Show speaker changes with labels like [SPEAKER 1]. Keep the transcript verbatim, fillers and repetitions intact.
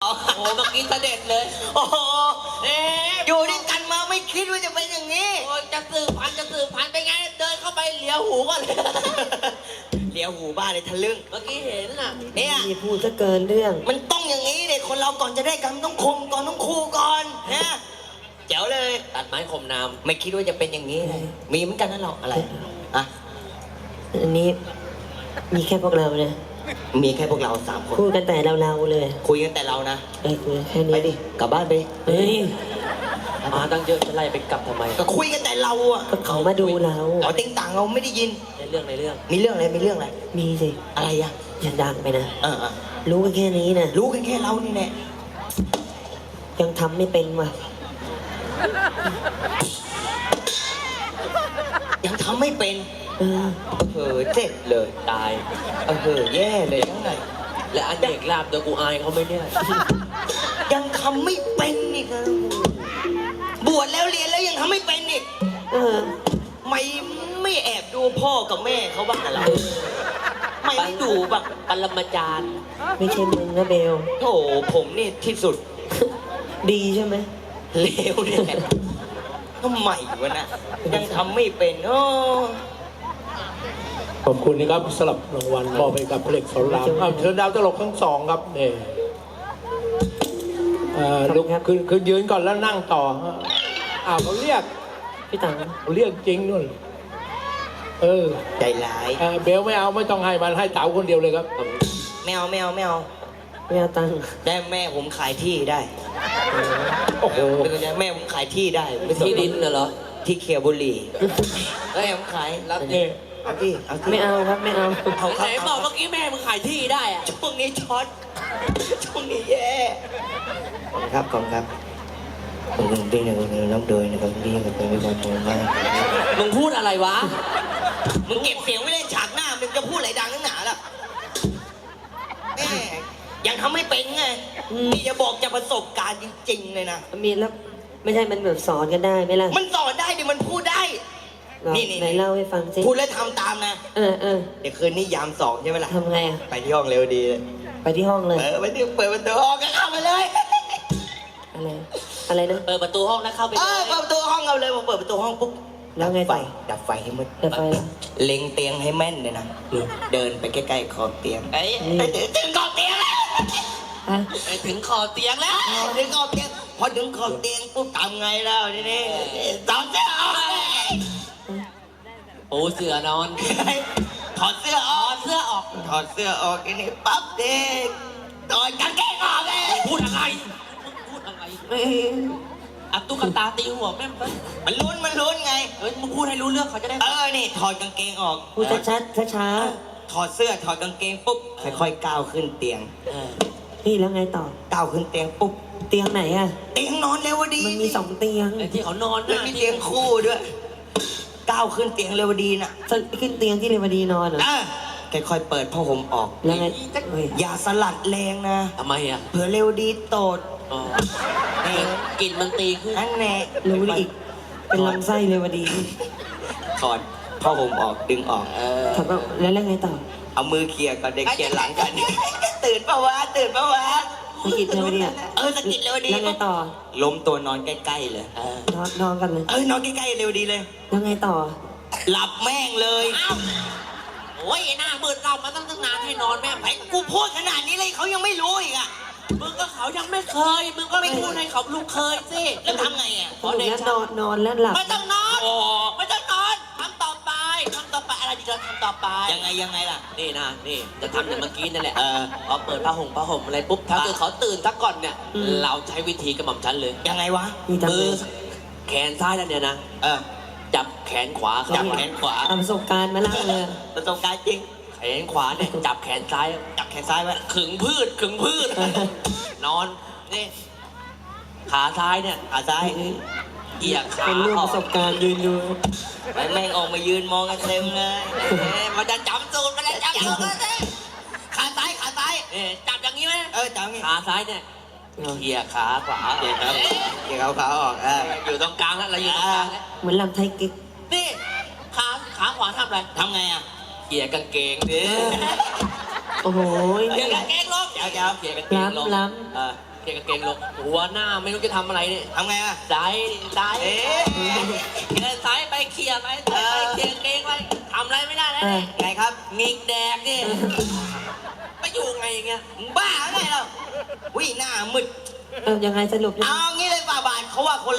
[SPEAKER 1] โอ้โหเมื่อกี้เสด็จเลยโอ้โหเอ๊ะอยู่ด้วยกันมาไม่คิดว่าจะเป็นอย่างนี้โอ้จะสืบพันธุ์จะสืบพันธุ์ไปไงเดินเข้าไปเหลียวหูก่อนเลยเหลียวหูบ้าเลยทะลึ่งเมื่อกี้เห็นน่ะเนี่ย
[SPEAKER 2] มีพูดซะเกินเรื่อง
[SPEAKER 1] มันต้องอย่างนี้เลยคนเราก่อนจะได้กันต้องคมก่อนต้องคูก่อนนะเจ๋วเลยตัดไม้คมน้ำไม่คิดว่าจะเป็นอย่างนี้เลยมีเหมือนกันนั่นหรอกอะไรอะ
[SPEAKER 2] อันนี้มีแค่พวกเรานะ
[SPEAKER 1] มีแค่พวกเราสามคน
[SPEAKER 2] พูดกันแต่เราๆเลย
[SPEAKER 1] คุยกันแต่เรานะ
[SPEAKER 2] เออคุยแค่นี้
[SPEAKER 1] ไปดิกลับบ้านไป
[SPEAKER 2] เฮ้ย
[SPEAKER 1] มาตั้งเยอะจะไล่ไปกลับทำไมก็คุยกันแต่เราอ่ะ
[SPEAKER 2] ก็เขามาดูเรา
[SPEAKER 1] เราติ้งต่างเราไม่ได้ยินในเรื่องในเรื่องมีเรื่องอะไรมีเรื่องอะไร
[SPEAKER 2] มีสิ
[SPEAKER 1] อะไรอ่ะ
[SPEAKER 2] อย่าดังไปนะ
[SPEAKER 1] เออ
[SPEAKER 2] รู้กันแค่นี้นะ
[SPEAKER 1] รู้กันแค่เรานี่แหละ
[SPEAKER 2] ยังทำไม่เป็นว่ะ
[SPEAKER 1] ยังทำไม่เป็น
[SPEAKER 2] เออ
[SPEAKER 1] เออเจ็บเลยตายเออแย่เลยทั้งไงและอันเด็กลาบตัวกูอายเขาไม่เนี่ยยังทำไม่เป็นอีกนะบวชแล้วเรียนแล้วยังทำไม่เป็นอีก
[SPEAKER 2] เออ
[SPEAKER 1] ไม่ไม่แอบดูพ่อกับแม่เขาบ้างอะไรไม่ดูบ้างปรมาจารย์
[SPEAKER 2] ไม่ใช่มึงนะเบล
[SPEAKER 1] โอ้ผมนี่ที่สุด
[SPEAKER 2] ดีใช่ไหม
[SPEAKER 1] เลวเนี่ยทำไมวะนะยังทำไม่เป็นโอ้
[SPEAKER 3] ขอบคุณนะครับสลับรางวัลมอบให้กับเพลงสอนรามเชิญดาวตลกทั้งสองครับเนี่ยลุกคือคือยืนก่อนแล้วนั่งต่ออ้าวเขาเรียก
[SPEAKER 2] พี่ตัง
[SPEAKER 3] เขาเรียกจริงนู่นเออ
[SPEAKER 1] ใจร้าย
[SPEAKER 3] เบลไม่เอาไม่ต้องให้มันให้เต๋าคนเดียวเลยครับ
[SPEAKER 1] ไม่เอาไม่เอาไม่เอา
[SPEAKER 2] ไม่เอาตัง
[SPEAKER 1] ได้แม่ผมขายที่ได้
[SPEAKER 3] โอ้โห
[SPEAKER 1] แม่ผมขายที่ได้ที่ดินเหรอที่เคียวบุรีแล้วแม่ผมขายรับเนี่ยเอาที่เอาที่
[SPEAKER 2] ไม่เอาครับไม่เอา
[SPEAKER 1] เขาไหนบอกเมื่อกี้แม่มึงขายที่ได้อะช่วงนี้ช็อตช่วงนี้แย่ครับขอบคุณครับผมดิ้งหนึ่งน้ำโดยนะครับดิ้งกับเป็นวิบากตรงมากมึงพูดอะไรวะมึงเก็บเสียงไว้เล่นฉากหน้ามึงจะพูดอะไรดังนักหนาล่ะแม่ยังทำไม่เป็นไงนี่จะบอกจะประสบการณ์จริงๆเลยนะ
[SPEAKER 2] มีแล้วไม่ใช่มันแบบสอนกันได้ไหมล่ะ
[SPEAKER 1] มันสอนได้ดิมันพูดได้
[SPEAKER 2] นี่นี่ไหนเล่าให้ฟังสิ
[SPEAKER 1] พูดแล้วทำตามนะ
[SPEAKER 2] เออเออ
[SPEAKER 1] เดี๋ยวคืนนี้ยามสองใช่ไหมล่ะ
[SPEAKER 2] ทำไงอ่ะ
[SPEAKER 1] ไปที่ห้องเร็วดีเลย
[SPEAKER 2] ไปที่ห้องเลย
[SPEAKER 1] เออไปที่เปิดประตูห้องก็เข้าไปเลย
[SPEAKER 2] อะไรอะไรนะ
[SPEAKER 1] เปิดประตูห้องแล้วเข้าไปเออเปิดประตูห้องเอาเลยพอเปิดประตูห้องปุ๊บ
[SPEAKER 2] แล้วไง
[SPEAKER 1] ไฟดับไฟให้มืด
[SPEAKER 2] ดับไฟ
[SPEAKER 1] เล็งเตียงให้แม่นเลยนะเดินไปใกล้ๆขอบเตียงไอ้ถึงขอบเตียงแล้วไปถึงขอบเตียงแล้วถึงขอบเตียงพอถึงขอบเตียงปุ๊บทำไงแล้วทีนี้ถอดเสื้อออกโอ้เสื้อนอนถอดเสื้อออกเสื้อออกถอดเสื้อออกทีนี้ปั๊บเด็กถอดกางเกงออกเลยพูดอะไรพูดอะไรอับตุ๊กตาตีหัวแม่มันลุ้นมันลุ้นไงเออมึงพูดให้รู้เรื่องเขาจะได้เออนี่ถอดกางเกงออก
[SPEAKER 2] พูดชัดๆช้า
[SPEAKER 1] ๆถอดเสื้อถอดกางเกงปุ๊บค่อยๆก้าวขึ้นเตียง
[SPEAKER 2] นี่แล้วไงต่อ
[SPEAKER 1] ก้าวขึ้นเตียงปุ๊บ
[SPEAKER 2] เตียงไหนอะ
[SPEAKER 1] เตียงนอนเร็วดี
[SPEAKER 2] มันมีสองเตียง
[SPEAKER 1] ที่เขานอนแล้วมีเตียงคู่ด้วยก้าวขึ้นเตียงเรวดีน่ะ
[SPEAKER 2] ขึ้นเตียงที่เรวดีนอนเหรอ
[SPEAKER 1] ค่อยๆเปิดผ้าห่มออก
[SPEAKER 2] แล้วไง
[SPEAKER 1] อย่าสลัดแรงนะ
[SPEAKER 3] ทำไมอ่ะ
[SPEAKER 1] เผื่อเรวดีโตดนี่กลิ่นมันตีขึ้นนั่นแน่
[SPEAKER 2] รู้อีกเป็นลำไส้เรวดี
[SPEAKER 1] ถอดผ้าห่มออกดึงออกเออ
[SPEAKER 2] ถอดแล้วแล้วไงต่อ
[SPEAKER 1] เอามือเคลียร์ก่อนเด็กเคลียร์หลังกันตื่นปะวะตื่นปะวะ
[SPEAKER 2] สกิดเรวดี
[SPEAKER 1] เออสกิดเรวดี
[SPEAKER 2] แล้วไงต่อ
[SPEAKER 1] ล้มตัวนอนใกล้ๆเลย
[SPEAKER 2] นอนนอนกันเลย
[SPEAKER 1] เออนอนใกล้ๆเรวดีเลย
[SPEAKER 2] แล้วไงต่อ
[SPEAKER 1] หลับแม่งเลยโอ้ยหน้ามืดเรามาตั้งตั้งนานให้นอนแม่งไอ้กูพูดขนาดนี้เลยเขายังไม่รู้อีกอ่ะมึงก็เขายังไม่เคยมึงก็ไม่พูดให้เขาลูกเคยสิแล้วทำไงอ่ะ
[SPEAKER 2] พอเด็กนอนนอนแล้วหลับ
[SPEAKER 1] ไม่ต้องนอนไม่ต้องนอนทำต่อไปทำต่อไปอะไรดีเราทำต่อไปยังไงยังไงล่ะนี่นะนี่จะทำอย่างเมื่อกี้นั่นแหละเออพอเปิดผ้าห่มผ้าห่มอะไรปุ๊บถ้าเกิดเขาตื่นทักก่อนเนี่ยเราใช้วิธีกระหม่อมชั้นเลยยังไงวะมือแขนซ้ายนั่นเนี่ยนะเออจับแขนขวาจับแขนขวา
[SPEAKER 2] ประสบการณ์มาเล่าเลย
[SPEAKER 1] ประสบการณ์จริงแขนขวาเนี่ยจับแขนซ้ายจับแขนซ้ายไว้ขึงพืชขึงพืชนอนนี่ขาซ้ายเนี่ยขาซ้ายเอียงขา
[SPEAKER 2] เป็นเรื่องประสบการณ์ยืนอยู่
[SPEAKER 1] ไอ้แม่งออกมายืนมองกันเต็มเลยมันจะจำสูตรมันจะจำสูตรเลยขาซ้ายขาซ้ายจับอย่างนี้ไหมเออจับอย่างนี้ขาซ้ายเนี่ยเขี่ยขาขวาเขี่ยขาเขี่ยขาขวาออกเอออยู่ตรงกลางแล้วเราอยู่ตรงกลาง
[SPEAKER 2] เหมือนลำไทยกิ๊ก
[SPEAKER 1] นี่ขาขาขวาทำอะไรทำไงอ่ะเขี่ยกางเกงดิ
[SPEAKER 2] โอ้โห
[SPEAKER 4] เกียร์กางเกงลงเกียร์เกียร์เกียร์กางเกงลง
[SPEAKER 2] ล้ำ
[SPEAKER 4] เออเกียร์กางเกงลงหัวหน้าไม่รู้จะทำอะไรเนี่ย
[SPEAKER 1] ทำไงอ่ะ
[SPEAKER 4] สายสาย
[SPEAKER 1] เอ๊ะ
[SPEAKER 4] เดินสายไปเคลียร์ไปสายไปเคลียร์กางเกงไปทำอะไรไม่ได้แล้วเนี่ย
[SPEAKER 1] ไงครับ
[SPEAKER 4] งิกแดกเนี่ยไปอยู่ไงอย่างเงี้ย
[SPEAKER 1] มึงบ้าไงเราวิ่หน้ามึด
[SPEAKER 2] เออยังไงสรุปยังไง
[SPEAKER 1] เอางี้เลยฝ่าบาทเขาว่าคน